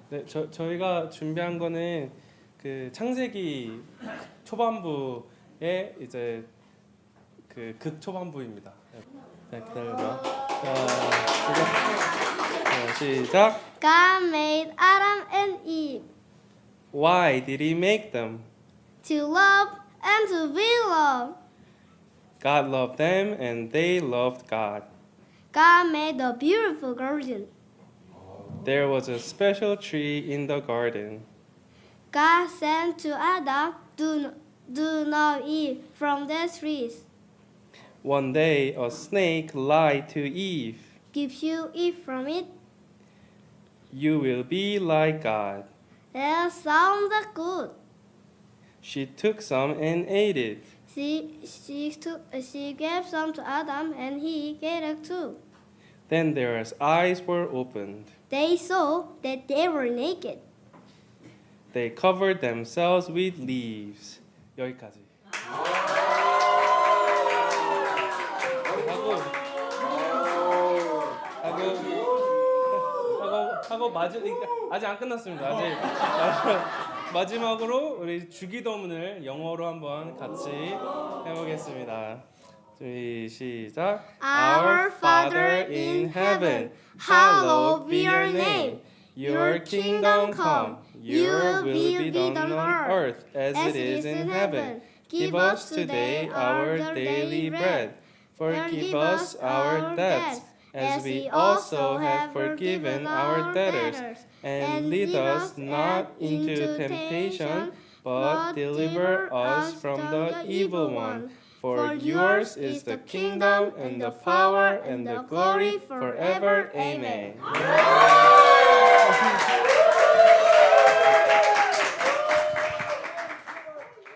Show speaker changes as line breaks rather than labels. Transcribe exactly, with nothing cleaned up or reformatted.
네, 저 저희가 준비한 거는 그 창세기 초반부의 이제 그 극 초반부입니다. 네, 기다려봐. 자, 시작. 자, 시작.
God made Adam and Eve
Why did He make them?
to love and to be loved.
God loved them, and they loved God.
God made a beautiful garden.
There was a special tree in the garden.
God said to Adam, do, do not eat from that tree.
One day, a snake lied to Eve.
If you eat from it,
You will be like God.
that sounds good.
She took some and ate it.
She, she, took, she gave some to Adam, and he gave it too.
Then their eyes were opened.
They saw that they were naked.
They covered themselves with leaves. 여기까지. 하고 하고 하고 하고 마지 아직 안 끝났습니다. 아직 마지막으로 우리 주기도문을 영어로 한번 같이 해보겠습니다. 준비 시작.
Our Father in heaven, hallowed be your name. Your kingdom come. Your will be done on earth as it is in heaven. Give us today our daily bread. Forgive us our debts, as we also have forgiven our debtors. And lead us not into temptation, but deliver us from the evil one. For yours is the kingdom and the power and the glory forever. Amen.